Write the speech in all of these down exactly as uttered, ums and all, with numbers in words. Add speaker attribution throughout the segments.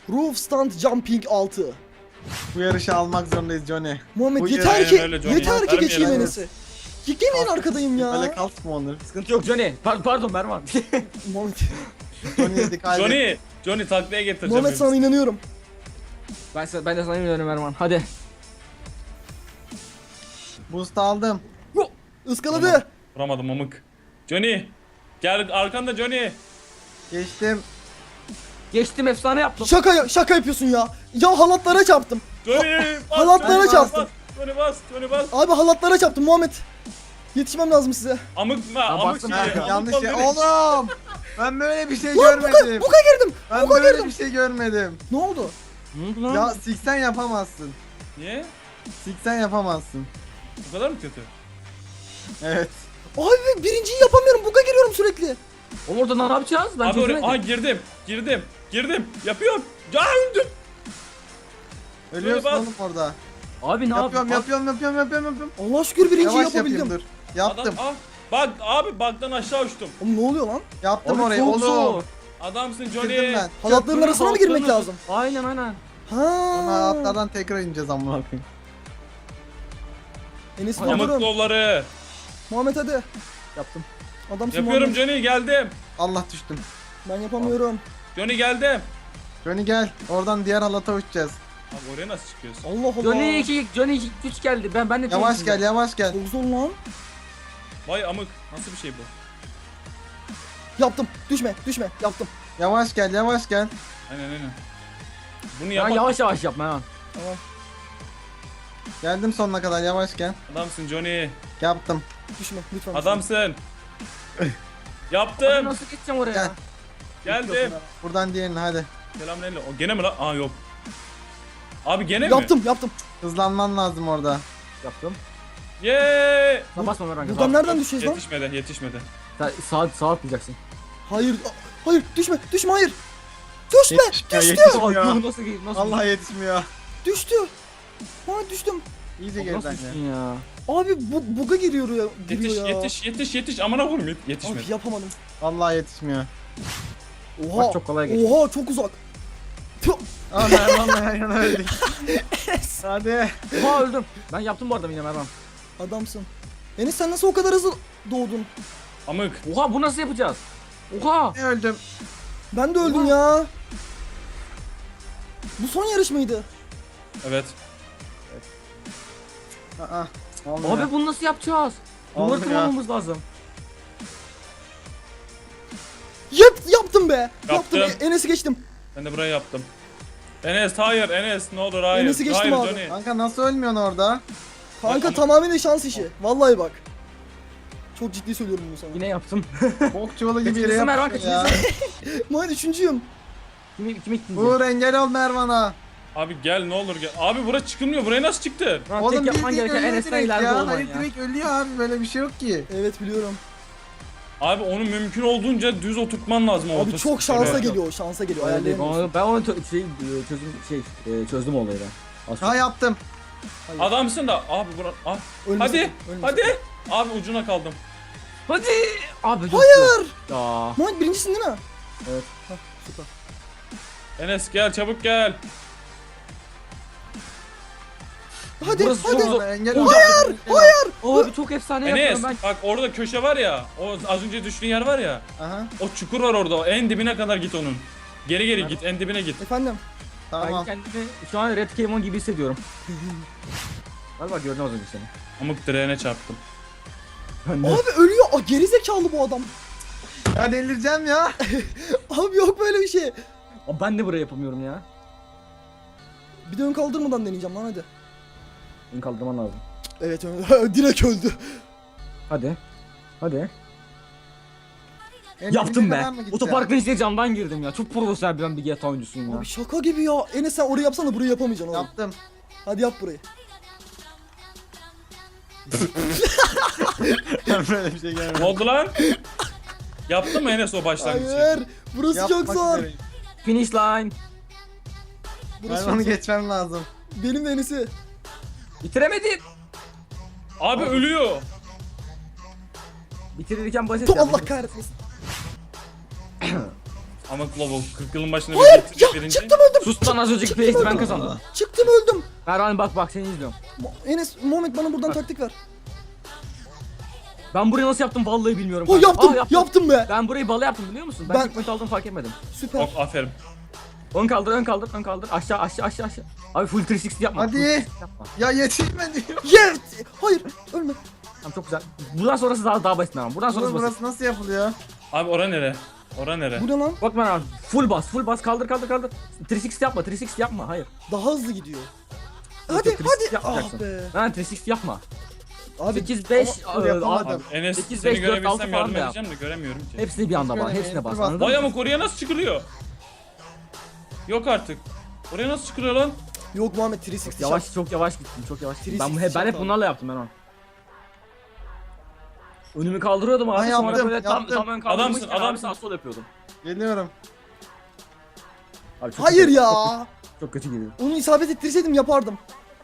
Speaker 1: Roof Stand Jumping altı.
Speaker 2: Bu yarışı almak zorundayız Johnny.
Speaker 1: Muhammed
Speaker 2: Bu
Speaker 1: yeter
Speaker 3: aynen
Speaker 1: ki
Speaker 3: öyle Johnny.
Speaker 1: yeter ki
Speaker 3: Vermeyelim.
Speaker 1: geçeyim
Speaker 2: Aynen.
Speaker 1: Enes'i. Yemeyin arkadayım
Speaker 2: Böyle
Speaker 1: ya.
Speaker 2: kalsın mı onları?
Speaker 4: Sıkıntı yok Johnny. Par pardon Mervan.
Speaker 1: Muhammed,
Speaker 2: Johnny'ye dikkat edin.
Speaker 3: Johnny, Johnny taklaya getireceğim.
Speaker 1: Muhammed sana inanıyorum.
Speaker 4: ben, sana- ben de sana inanıyorum Mervan. Hadi.
Speaker 2: Boost aldım.
Speaker 1: Iskaladı.
Speaker 3: Vuramadım amık. Johnny, gel arkanda Johnny.
Speaker 2: Geçtim.
Speaker 4: Geçtim efsane yaptım.
Speaker 1: Şaka şaka yapıyorsun ya. Ya halatlara çarptım.
Speaker 3: Johnny, bas.
Speaker 1: halatlara
Speaker 3: Johnny,
Speaker 1: çarptım.
Speaker 3: bas. Johnny bas, Johnny bas.
Speaker 1: Abi halatlara çarptım Muhammed. Yetişmem lazım size.
Speaker 3: Amık mı? Amık
Speaker 4: bastım
Speaker 3: gibi.
Speaker 4: ben.
Speaker 2: Ben
Speaker 3: Amık
Speaker 2: yanlış
Speaker 3: ol
Speaker 2: şey.
Speaker 3: Johnny.
Speaker 2: Oğlum! Ben böyle bir şey
Speaker 1: Lan buka,
Speaker 2: görmedim.
Speaker 1: buka girdim.
Speaker 2: Ben
Speaker 1: buka
Speaker 2: böyle
Speaker 1: girdim.
Speaker 2: bir şey görmedim.
Speaker 1: Ne oldu?
Speaker 4: Ne oldu lan?
Speaker 2: Ya siksen yapamazsın.
Speaker 3: Niye?
Speaker 2: Siksen yapamazsın.
Speaker 3: Bu kadar mı kötü?
Speaker 2: Evet.
Speaker 1: Abi ben birinciyi yapamıyorum. Buka giriyorum sürekli.
Speaker 4: Oğlum orada ne yapacağız? Ben
Speaker 3: Abi oraya,
Speaker 4: çözemedim.
Speaker 3: aha girdim, girdim, girdim. Yapıyorum. Ya öldüm.
Speaker 2: Ölüyorsun
Speaker 3: bas.
Speaker 2: oğlum orada.
Speaker 4: Abi ne
Speaker 2: Yapıyorum,
Speaker 4: yapayım?
Speaker 2: yapıyorum, yapıyorum, yapıyorum, yapıyorum.
Speaker 1: Allah şükür birinciyi
Speaker 2: Yavaş yapayım
Speaker 1: yapabildim.
Speaker 2: dur. Yaptım.
Speaker 3: Adam, ah, bak abi bug'dan aşağı uçtum.
Speaker 1: Oğlum ne oluyor lan?
Speaker 2: Yaptım
Speaker 4: Abi
Speaker 2: orayı
Speaker 4: çok
Speaker 2: oğlum.
Speaker 4: zor.
Speaker 3: Adamsın
Speaker 2: Bitirdim
Speaker 3: Johnny.
Speaker 2: ben.
Speaker 1: Halatların arasına mı girmek
Speaker 4: Altlarını-
Speaker 1: lazım?
Speaker 4: Aynen aynen.
Speaker 2: Sonra
Speaker 1: Ha.
Speaker 2: atlardan tekrar ineceğiz amına koyayım.
Speaker 1: Enes
Speaker 4: Amık
Speaker 3: Amık
Speaker 1: doldurum.
Speaker 3: kolları.
Speaker 1: Muhammed hadi.
Speaker 4: Yaptım.
Speaker 1: Adamsın
Speaker 3: Yapıyorum
Speaker 1: Muhammed.
Speaker 3: Johnny, geldim.
Speaker 2: Allah düştüm.
Speaker 1: Ben yapamıyorum.
Speaker 3: Johnny geldim.
Speaker 2: Johnny gel. Oradan diğer halata uçacağız.
Speaker 3: Abi oraya nasıl çıkıyorsun?
Speaker 1: Allah Allah.
Speaker 4: Johnny iki, Johnny iki, üç geldi. Ben ben de
Speaker 2: Yavaş
Speaker 4: değilim
Speaker 2: gel,
Speaker 4: şimdi.
Speaker 2: yavaş gel.
Speaker 1: Çok zor lan.
Speaker 3: Vay amık, nasıl bir şey bu?
Speaker 1: Yaptım. Düşme, düşme. Yaptım.
Speaker 2: Yavaş gel, yavaş gel.
Speaker 3: Aynen aynen. Bunu
Speaker 4: Ya
Speaker 3: yapan
Speaker 4: yavaş yavaş yap Mervan.
Speaker 1: Tamam.
Speaker 2: Geldim sonuna kadar, yavaş gel.
Speaker 3: adamsın Johnny.
Speaker 2: Yaptım.
Speaker 1: Düşme lütfen.
Speaker 3: Adamsın.
Speaker 4: Abi
Speaker 3: Yaptım.
Speaker 4: nasıl geçeceğim oraya?
Speaker 2: Gel.
Speaker 3: Geldim.
Speaker 2: Buradan diğerini hadi.
Speaker 3: Selamünaleyküm. O gene mi lan? Aa yok. Abi gene mi?
Speaker 1: Yaptım, yaptım.
Speaker 2: Hızlanman lazım orada.
Speaker 4: Yaptım.
Speaker 3: Yeee.
Speaker 4: Sen basma Mervan.
Speaker 1: Buradan
Speaker 4: Buradan...
Speaker 1: nereden düşeceğiz lan?
Speaker 3: Yetişmedi, yetişmedi.
Speaker 4: Sağ, sağ atlayacaksın.
Speaker 1: Hayır. a- Hayır, düşme, düşme, hayır. Düşme,
Speaker 2: Yetişmiyor,
Speaker 1: düştü.
Speaker 2: yetişmiyor.
Speaker 4: Aa, nasıl nasıl
Speaker 2: Allah yetişmiyor.
Speaker 1: Düştü. Hayır düştüm.
Speaker 2: İyice
Speaker 4: Abi
Speaker 2: geriden
Speaker 4: nasıl
Speaker 2: gel.
Speaker 4: düştün ya?
Speaker 1: Abi bu buga giriyor ya. Giriyor
Speaker 3: Yetiş,
Speaker 1: ya.
Speaker 3: yetiş, yetiş, yetiş. Amına koyayım yet- yetişmedi.
Speaker 1: Abi yapamadım.
Speaker 2: Vallahi yetişmiyor.
Speaker 1: Oha.
Speaker 4: Bak çok kolay geçti.
Speaker 1: Oha çok uzak. Tüh.
Speaker 2: Aa Mervan'la yan yana öldük. Hadi.
Speaker 4: Oha öldüm. Ben yaptım bu arada yine Mervan.
Speaker 1: Adamsın. Enes sen nasıl o kadar hızlı doğdun?
Speaker 3: Amık.
Speaker 4: Oha bu nasıl yapacağız? Oha.
Speaker 2: Ne öldüm?
Speaker 1: Ben de öldüm ya. Bu son yarış mıydı?
Speaker 3: Evet.
Speaker 2: Aa. Olmuyor.
Speaker 4: Abi bunu nasıl yapacağız? Duvar
Speaker 2: Olmuyor.
Speaker 4: tırmanmamız lazım.
Speaker 1: Yap, yaptım be. Yaptım.
Speaker 3: Yaptım.
Speaker 1: E- Enes'i geçtim.
Speaker 3: Ben de burayı yaptım. Enes hayır Enes ne olur hayır.
Speaker 1: Enes'i geçtim
Speaker 3: hayır
Speaker 1: abi.
Speaker 3: Johnny.
Speaker 2: Kanka nasıl ölmüyorsun orada?
Speaker 1: Kanka
Speaker 3: Ama-
Speaker 1: tamamen şans işi. Vallahi bak. Çok ciddi söylüyorum bunu sana.
Speaker 4: Yine yaptım.
Speaker 2: Bok çuvalı gibi yere
Speaker 4: Kaçıncısın Mervan,
Speaker 2: yapmışsın ya.
Speaker 1: Muhammed üçüncüyüm.
Speaker 4: Kimi kimi ikinci?
Speaker 2: Uğur engel ol Mervan'a.
Speaker 3: Abi gel ne olur gel. Abi bura çıkılmıyor. Buraya nasıl çıktın?
Speaker 4: Lan
Speaker 2: Oğlum
Speaker 4: tek yapman
Speaker 2: bildiğin
Speaker 4: gereken
Speaker 2: ölüyor
Speaker 4: Enes'ten
Speaker 2: direkt
Speaker 4: ileride
Speaker 2: ya.
Speaker 4: olman
Speaker 2: Hayır
Speaker 4: ya.
Speaker 2: direkt ölüyor abi, böyle bir şey yok ki.
Speaker 1: Evet biliyorum.
Speaker 3: Abi onu mümkün olduğunca düz oturtman lazım o
Speaker 1: Abi
Speaker 3: otostop
Speaker 1: çok şansa
Speaker 3: oraya.
Speaker 1: geliyor, şansa geliyor.
Speaker 4: Ben,
Speaker 1: Ayarlayamıyorsun.
Speaker 4: onu, ben onu tö- şey, e, çözüm şey e, çözdüm olayı ben. Az
Speaker 2: Ha
Speaker 4: çok.
Speaker 2: yaptım.
Speaker 3: Adamsın da abi bura ah.
Speaker 1: Ölme
Speaker 3: Hadi
Speaker 1: sakın, ölme
Speaker 3: hadi.
Speaker 1: sakın.
Speaker 3: Abi ucuna kaldım.
Speaker 4: Hadi. Abi dur.
Speaker 1: Hayır.
Speaker 4: Ya.
Speaker 1: Muhammed birincisin değil mi?
Speaker 4: Evet.
Speaker 1: Hah, süper.
Speaker 3: Enes gel çabuk gel.
Speaker 1: Hadi,
Speaker 4: Burası
Speaker 1: hadi.
Speaker 4: çok zor.
Speaker 2: Engel ol.
Speaker 1: Hayır, hayır.
Speaker 4: Abi çok efsane
Speaker 3: Enes
Speaker 4: yapıyorum ben.
Speaker 3: bak orada köşe var ya. O az önce düştüğün yer var ya.
Speaker 2: Aha
Speaker 3: O çukur var orada. O en dibine kadar git onun. Geri geri git. En dibine git.
Speaker 1: Efendim.
Speaker 4: Ben
Speaker 2: tamam.
Speaker 4: kendimi şu an Red Caimon gibi hissediyorum. Galiba gördüm az önce seni.
Speaker 3: Amık direğine çarptım.
Speaker 4: Ben de.
Speaker 1: Abi ölüyor. Aa, gerizekalı bu adam.
Speaker 2: Ya delireceğim ya.
Speaker 1: Abi yok böyle bir şey.
Speaker 4: Abi ben de burayı yapamıyorum ya.
Speaker 1: Bir de ön kaldırmadan deneyeceğim lan hadi.
Speaker 4: Beni kaldırman lazım.
Speaker 1: Evet ön- direkt öldü.
Speaker 4: Hadi. Hadi.
Speaker 2: En
Speaker 4: Yaptım
Speaker 2: dibine
Speaker 4: be.
Speaker 2: kadar mı gideceğim?
Speaker 4: Otoparkın içine camdan girdim ya. Çok profesyonel bir ben bir G T A oyuncusuyum ya.
Speaker 1: Abi şaka gibi ya. Enes sen orayı yapsana burayı yapamayacaksın oğlum.
Speaker 2: Yaptım.
Speaker 1: Hadi yap burayı.
Speaker 2: Böyle bir şey
Speaker 3: Ne
Speaker 2: gelmedi.
Speaker 3: oldu lan? Yaptın mı Enes o başlangıcı?
Speaker 1: Hayır. Burası çok
Speaker 2: Yapmak
Speaker 1: zor.
Speaker 2: üzereyim.
Speaker 4: Finish line.
Speaker 1: Burası
Speaker 2: Mervan'ı
Speaker 1: çok zor.
Speaker 2: geçmem lazım.
Speaker 1: Benim de Enes'i.
Speaker 4: Bitiremedim.
Speaker 3: Abi ölüyor.
Speaker 4: Bitirirken basit
Speaker 1: Tu
Speaker 4: ya.
Speaker 1: Allah kahretmesin.
Speaker 3: Ama Globo kırk yılın başında
Speaker 1: Hayır
Speaker 3: bir
Speaker 1: ya
Speaker 3: birinci.
Speaker 1: çıktım öldüm.
Speaker 4: Sus lan az önceki place'i ben kazandım.
Speaker 1: Çıktım öldüm.
Speaker 4: Mervan bak bak seni izliyorum.
Speaker 1: Mo- Enes Muhammed bana buradan taktik ver.
Speaker 4: Ben burayı nasıl yaptım vallahi bilmiyorum.
Speaker 1: O
Speaker 4: kanka.
Speaker 1: yaptım,
Speaker 4: Aa,
Speaker 1: yaptım be.
Speaker 4: Ben burayı bala yaptım biliyor musun? Ben,
Speaker 1: Ben-
Speaker 4: tek point aldım fark etmedim.
Speaker 1: Süper.
Speaker 3: Ok, aferin.
Speaker 4: Ön kaldır, ön kaldır, ön kaldır. Aşağı, aşağı, aşağı, aşağı. Abi full üç yüz altmış yapma.
Speaker 2: Hadi.
Speaker 4: full üç yüz altmış yapma.
Speaker 2: Ya yetişme diyor.
Speaker 1: Yes. Hayır ölme.
Speaker 4: Tamam çok güzel. Buradan sonrası daha daha basit ama. Buradan sonrası
Speaker 2: Burası,
Speaker 4: basit.
Speaker 2: burası nasıl yapılıyor?
Speaker 3: Abi ora nere? Ora nere?
Speaker 1: Bu ne lan?
Speaker 4: Bak ben abi full bas, full bas. Kaldır, kaldır, kaldır. üç yüz altmış yapma, üç yüz altmış yapma. Hayır.
Speaker 1: Daha hızlı gidiyor.
Speaker 4: Yok,
Speaker 1: Hadi
Speaker 4: yok, üç yüz altmış
Speaker 1: hadi.
Speaker 4: yapmayacaksın.
Speaker 1: Ah be.
Speaker 4: Lan üç yüz altmış yapma.
Speaker 1: Abi
Speaker 4: sekiz beş
Speaker 2: ama yapamadım.
Speaker 3: Abi Enes
Speaker 4: sekiz,
Speaker 3: seni
Speaker 4: beş, dört, altı
Speaker 3: görebilsem
Speaker 4: falan
Speaker 3: yardım
Speaker 4: da yap.
Speaker 3: edeceğim de göremiyorum ki.
Speaker 4: Hepsini bir anda bana,
Speaker 2: Şöyle,
Speaker 4: hepsine bas.
Speaker 2: hepsini bas.
Speaker 4: Anladın
Speaker 3: Vay
Speaker 4: mı?
Speaker 3: amık oraya nasıl çıkılıyor? Yok artık. Oraya nasıl çıkılıyor lan?
Speaker 1: yok Muhammed üç yüz altmış
Speaker 4: Yavaş,
Speaker 1: yap.
Speaker 4: çok yavaş gittim, çok yavaş gittim.
Speaker 1: üç yüz
Speaker 4: Ben,
Speaker 1: altmış
Speaker 4: hep, ben hep
Speaker 1: yaptım.
Speaker 4: bunlarla yaptım ben onu. Önümü kaldırıyordum abi,
Speaker 2: Ben
Speaker 4: sonra
Speaker 2: yaptım,
Speaker 4: böyle tam,
Speaker 2: yaptım.
Speaker 4: tam ön kaldırmışken
Speaker 3: Adamsın,
Speaker 4: abi
Speaker 3: adamsın.
Speaker 4: sağ sol yapıyordum.
Speaker 2: Geliyorum.
Speaker 4: Abi çok
Speaker 1: Hayır
Speaker 4: kötü,
Speaker 1: ya.
Speaker 4: Çok, çok kötü geliyor.
Speaker 1: Onu isabet ettirseydim yapardım.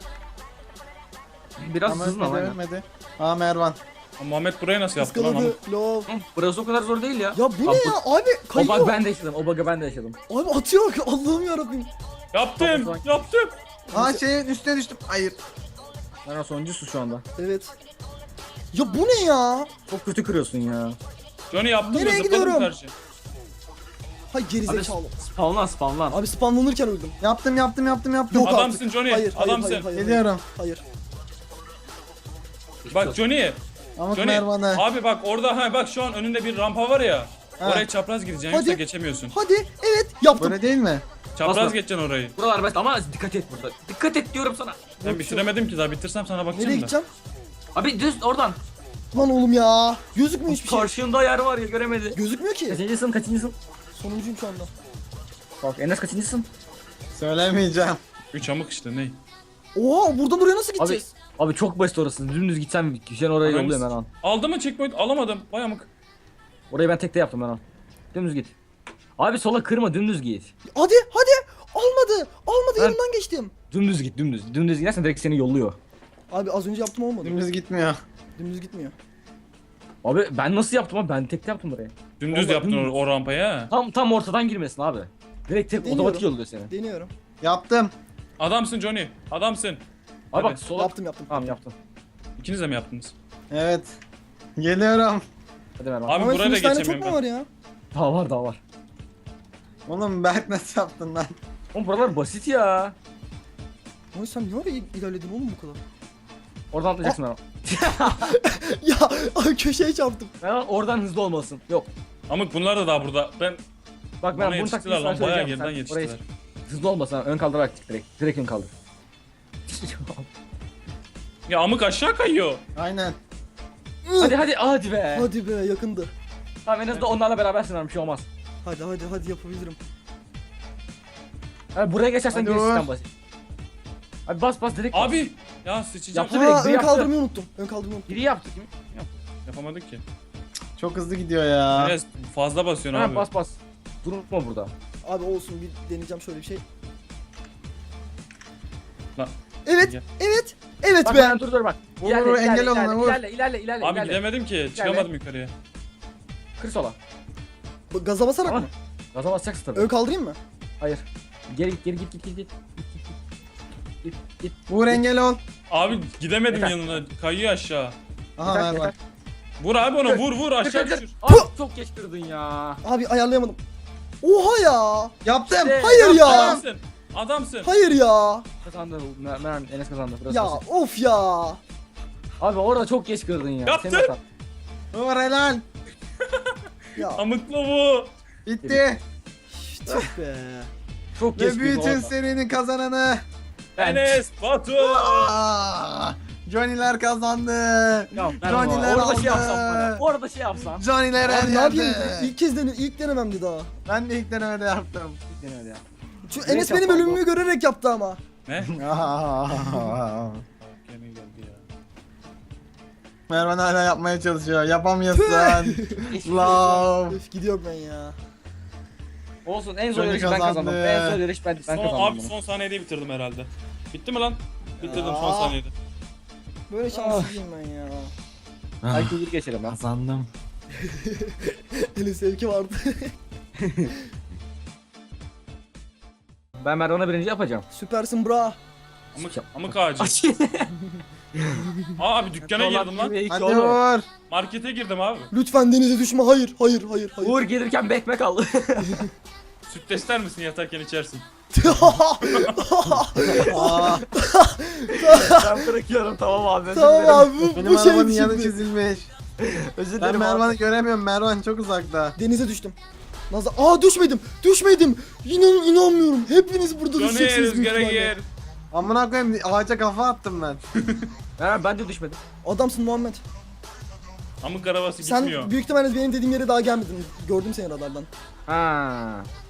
Speaker 4: Biraz
Speaker 2: Ama
Speaker 4: hızlı ama
Speaker 2: ölmedi,
Speaker 4: aynen.
Speaker 2: ölmedi. Aa Mervan.
Speaker 3: Muhammed burayı nasıl yaptı lan?
Speaker 1: Iskaladı.
Speaker 3: Amık?
Speaker 1: Lov.
Speaker 4: Hı, Burası o kadar zor değil ya.
Speaker 1: Ya bu ne
Speaker 4: Abi,
Speaker 1: ya abi
Speaker 4: O
Speaker 1: kayıyor.
Speaker 4: bug ben de yaşadım, o bug'ı ben de yaşadım.
Speaker 1: Abi atıyor Allah'ım yarabbim.
Speaker 3: Yaptım,
Speaker 4: Tamam,
Speaker 3: yaptım.
Speaker 2: Aa şeyin üstüne düştüm. Hayır.
Speaker 4: Ben sonuncusu şu anda.
Speaker 1: Evet. Ya bu ne ya?
Speaker 4: Çok kötü kırıyorsun ya.
Speaker 3: Johnny yaptım da
Speaker 1: Nereye
Speaker 3: zıpladım
Speaker 1: gidiyorum?
Speaker 3: karşı.
Speaker 4: Abi
Speaker 1: Hay gerizekalı.
Speaker 4: spawnlan spawnlan.
Speaker 1: Abi spamlanırken öldüm.
Speaker 2: Yaptım yaptım yaptım yaptım.
Speaker 1: Yok
Speaker 3: Adamsın
Speaker 1: artık.
Speaker 3: Johnny,
Speaker 1: Hayır, hayır,
Speaker 3: adamsın.
Speaker 1: hayır, hayır,
Speaker 2: Geliyorum.
Speaker 1: Hayır.
Speaker 3: Bak Johnny,
Speaker 2: Amık
Speaker 3: Johnny.
Speaker 2: Mervan'ı.
Speaker 3: Abi bak orada ha bak şu an önünde bir rampa var ya.
Speaker 2: Ha.
Speaker 3: Oraya çapraz gideceksin
Speaker 1: Hadi.
Speaker 3: yoksa geçemiyorsun.
Speaker 1: Hadi evet yaptım.
Speaker 2: Böyle değil mi?
Speaker 3: Çapraz
Speaker 4: Basma.
Speaker 3: geçeceksin orayı.
Speaker 4: Buralar basit ama dikkat et burada. Dikkat et diyorum sana.
Speaker 3: Ben bitiremedim ki daha bitirsem sana
Speaker 1: Nereye
Speaker 3: bakacağım da.
Speaker 1: gideceğim?
Speaker 4: Abi düz oradan.
Speaker 1: Lan oğlum ya. Gözükmüyor hiçbir şey.
Speaker 4: Karşında yer var ya göremedi.
Speaker 1: Gözükmüyor ki.
Speaker 4: Kaçıncısın kaçıncısın?
Speaker 1: Sonuncuyum şu anda.
Speaker 4: Bak Enes kaçıncısın?
Speaker 2: Söylemeyeceğim.
Speaker 3: Üç amık işte ne?
Speaker 1: Oha buradan oraya nasıl
Speaker 4: Abi
Speaker 1: gideceğiz?
Speaker 4: abi çok basit orası. Dümdüz gitsem kişiden oraya
Speaker 3: Ananı
Speaker 4: yolluyorum
Speaker 3: s-
Speaker 4: ben an.
Speaker 3: Aldı mı checkpoint? Alamadım. Vay amık.
Speaker 4: Orayı ben tekte yaptım ben an. Dümdüz git. Abi sola kırma dümdüz git.
Speaker 1: Hadi hadi. Almadı. Almadı
Speaker 4: Ben-
Speaker 1: yanından geçtim.
Speaker 4: Dümdüz git dümdüz. Dümdüz gidersen direkt seni yolluyor.
Speaker 1: Abi az önce yaptım olmadı.
Speaker 2: Dümdüz gitmiyor.
Speaker 1: Dümdüz gitmiyor.
Speaker 4: Abi ben nasıl yaptım abi? Ben tekte yaptım burayı.
Speaker 3: Dümdüz
Speaker 4: Vallahi
Speaker 3: yaptın
Speaker 4: dümdüz.
Speaker 3: o, o rampaya ha.
Speaker 4: Tam tam ortadan girmesin abi. Direkt tek
Speaker 1: Deniyorum.
Speaker 4: otomatik yolluyor seni.
Speaker 1: Deniyorum.
Speaker 2: Yaptım.
Speaker 3: Adamsın Johnny. Adamsın.
Speaker 4: Abi
Speaker 3: Hadi.
Speaker 4: bak sola.
Speaker 1: Yaptım yaptım.
Speaker 4: Tamam yaptım.
Speaker 3: İkiniz de mi yaptınız?
Speaker 2: Evet. Geliyorum.
Speaker 4: Hadi ver
Speaker 3: Abi
Speaker 1: Ama
Speaker 3: buraya da
Speaker 1: üç tane çok
Speaker 3: geçemiyorum
Speaker 1: mu
Speaker 3: ben.
Speaker 1: var ya?
Speaker 4: Daha var daha var.
Speaker 2: Oğlum Berk nasıl yaptın lan?
Speaker 4: Oğlum buralar basit ya.
Speaker 1: Oy sen niye oraya ilerledin oğlum bu kadar?
Speaker 4: Oradan atlayacaksın ben.
Speaker 1: Ya ay, köşeye çarptım.
Speaker 4: Ben oradan hızlı olmalısın. Yok.
Speaker 3: Amık bunlar da daha burada. Ben
Speaker 4: Bak ben
Speaker 3: bana
Speaker 4: bunu
Speaker 3: yetiştiler
Speaker 4: taktiği sana
Speaker 3: lan. Bayağı
Speaker 4: söyleyeceğim.
Speaker 3: geriden
Speaker 4: Sen oraya
Speaker 3: yetiştiler.
Speaker 4: hızlı olmasan ön kaldırarak çık direkt. Direkt ön kaldır.
Speaker 3: Ya amık aşağı kayıyor.
Speaker 2: Aynen.
Speaker 4: hadi hadi hadi be.
Speaker 1: Hadi be yakındı.
Speaker 4: Tamam en azından onlarla berabersin abi bir şey olmaz.
Speaker 1: Hadi hadi hadi yapabilirim.
Speaker 4: Abi buraya geçersen
Speaker 2: Hadi
Speaker 4: gerisi
Speaker 2: Uğur.
Speaker 4: sistem basit. Abi bas bas direkt bas.
Speaker 3: Abi ya sıçacağım.
Speaker 4: Yaptı direkt,
Speaker 1: Aa
Speaker 4: biri
Speaker 1: ön
Speaker 4: yaptı.
Speaker 1: kaldırmayı unuttum. Ön kaldırmayı unuttum.
Speaker 4: Biri yaptı kim?
Speaker 3: Yapamadık ki.
Speaker 2: Çok hızlı gidiyor ya.
Speaker 3: Enes fazla basıyorsun
Speaker 4: Ha,
Speaker 3: abi.
Speaker 4: bas bas. Durma burada.
Speaker 1: Abi olsun bir deneyeceğim şöyle bir şey.
Speaker 3: Lan.
Speaker 1: Evet,
Speaker 3: Gel.
Speaker 1: evet, evet
Speaker 4: Bak
Speaker 1: be.
Speaker 4: ben dur dur bak.
Speaker 2: Vur,
Speaker 4: İlerle,
Speaker 2: vur,
Speaker 4: ilerle,
Speaker 2: engel
Speaker 4: ilerle,
Speaker 2: olana, vur.
Speaker 4: ilerle, ilerle, ilerle,
Speaker 3: Abi
Speaker 4: ilerle.
Speaker 3: gidemedim ki. Çıkamadım yukarıya.
Speaker 4: Kır sola.
Speaker 1: Bu gaza basarak
Speaker 4: Tamam.
Speaker 1: mı?
Speaker 4: Gaza basacaksın tabii.
Speaker 1: Ön kaldırayım mı?
Speaker 4: Hayır. Geri git, geri git, git, git, git. Git, git.
Speaker 2: Vur engel ol.
Speaker 3: Abi gidemedim
Speaker 4: Yeter.
Speaker 3: yanına. Kayıyor aşağı.
Speaker 2: Aha
Speaker 4: Yeter,
Speaker 2: Mervan.
Speaker 4: yeter.
Speaker 3: Vur abi ona vur vur
Speaker 4: Kır,
Speaker 3: aşağı
Speaker 4: kır, kır.
Speaker 3: düşür.
Speaker 4: Abi çok geç kırdın ya.
Speaker 1: Abi ayarlayamadım. Oha ya.
Speaker 2: Yaptım.
Speaker 4: İşte.
Speaker 1: Hayır ya.
Speaker 3: Adamsın. Adamsın.
Speaker 1: Hayır ya.
Speaker 4: Kazandı. Mer Mer Enes kazandı. Burası
Speaker 1: Ya
Speaker 4: basit.
Speaker 1: of ya.
Speaker 4: Abi orada çok geç kırdın ya.
Speaker 3: Yaptın.
Speaker 4: Senin hatan.
Speaker 2: Vur helal.
Speaker 1: Ya
Speaker 3: Amıklı bu.
Speaker 2: Bitti.
Speaker 1: tüh be.
Speaker 4: Çok geç
Speaker 2: Ve
Speaker 4: kırdın
Speaker 2: bütün
Speaker 4: orada.
Speaker 2: serinin kazananı.
Speaker 4: Ben.
Speaker 3: Enes Batu.
Speaker 2: Aa, Johnny'ler kazandı.
Speaker 4: Ya, ben
Speaker 2: Johnny'ler
Speaker 4: orada
Speaker 2: aldı.
Speaker 4: şey yapsam bana. Orada şey yapsam.
Speaker 2: Johnny'ler her
Speaker 1: Abi ne yapayım?
Speaker 2: yerde.
Speaker 1: İlk kez dene ilk denememdi daha.
Speaker 2: Ben de ilk denemede yaptım.
Speaker 4: Denemedi ya.
Speaker 1: Çünkü
Speaker 4: Ne
Speaker 1: Enes benim
Speaker 4: yapalım
Speaker 1: ölümümü görerek yaptı ama.
Speaker 3: Ne?
Speaker 2: Aa.
Speaker 3: Gene geldi ya.
Speaker 2: Mervan hala yapmaya çalışıyor. Yapamıyorsun. Love.
Speaker 1: Öf gidiyorum ben ya.
Speaker 4: Olsun en zor
Speaker 2: Johnny
Speaker 4: yarış ben
Speaker 2: kazandı.
Speaker 4: kazandım. En zor yarış ben, ben
Speaker 3: Son,
Speaker 4: kazandım.
Speaker 3: abi
Speaker 4: bunu.
Speaker 3: son saniyede bitirdim herhalde. Bitti mi lan? Bitirdim son
Speaker 1: Aa.
Speaker 3: saniyede.
Speaker 1: Böyle şanssızım ben ya.
Speaker 4: Belki bir geçelim ben.
Speaker 2: Kazandım.
Speaker 1: Elin sevki vardı.
Speaker 4: Ben Mervan'a birinci yapacağım.
Speaker 1: Süpersin bra.
Speaker 3: Amık, amık ağacı. Aa abi dükkana girdim lan.
Speaker 2: Hadi vur.
Speaker 3: Markete girdim abi.
Speaker 1: Lütfen denize düşme. Hayır, hayır, hayır, hayır.
Speaker 4: Uğur gelirken bir ekmek al.
Speaker 3: Süt ister misin yatarken içersin?
Speaker 2: Aa,
Speaker 4: Ben bırakıyorum tamam abi. özür
Speaker 1: Tamam
Speaker 4: dilerim.
Speaker 1: abi bu,
Speaker 2: benim
Speaker 1: bu şey
Speaker 2: arabanın yanı
Speaker 1: şimdi.
Speaker 2: çizilmiş.
Speaker 4: Özür
Speaker 2: Ben
Speaker 4: dilerim
Speaker 2: Mervan'ı
Speaker 4: abi.
Speaker 2: göremiyorum. Mervan çok uzakta.
Speaker 1: Denize düştüm. Nazlı, aa düşmedim, düşmedim. İnan inanmıyorum. Hepiniz burada
Speaker 3: Johnny
Speaker 1: düşeceksiniz büyük
Speaker 3: rüzgara
Speaker 1: ihtimalle.
Speaker 3: gir.
Speaker 2: Amına koyayım ağaca kafa attım ben.
Speaker 4: Mervan ben de düşmedim.
Speaker 1: Adamsın Muhammed.
Speaker 3: Amık arabası
Speaker 1: Sen
Speaker 3: gitmiyor.
Speaker 1: büyük ihtimalle benim dediğim yere daha gelmedin. Gördüm seni radardan.
Speaker 4: Ha.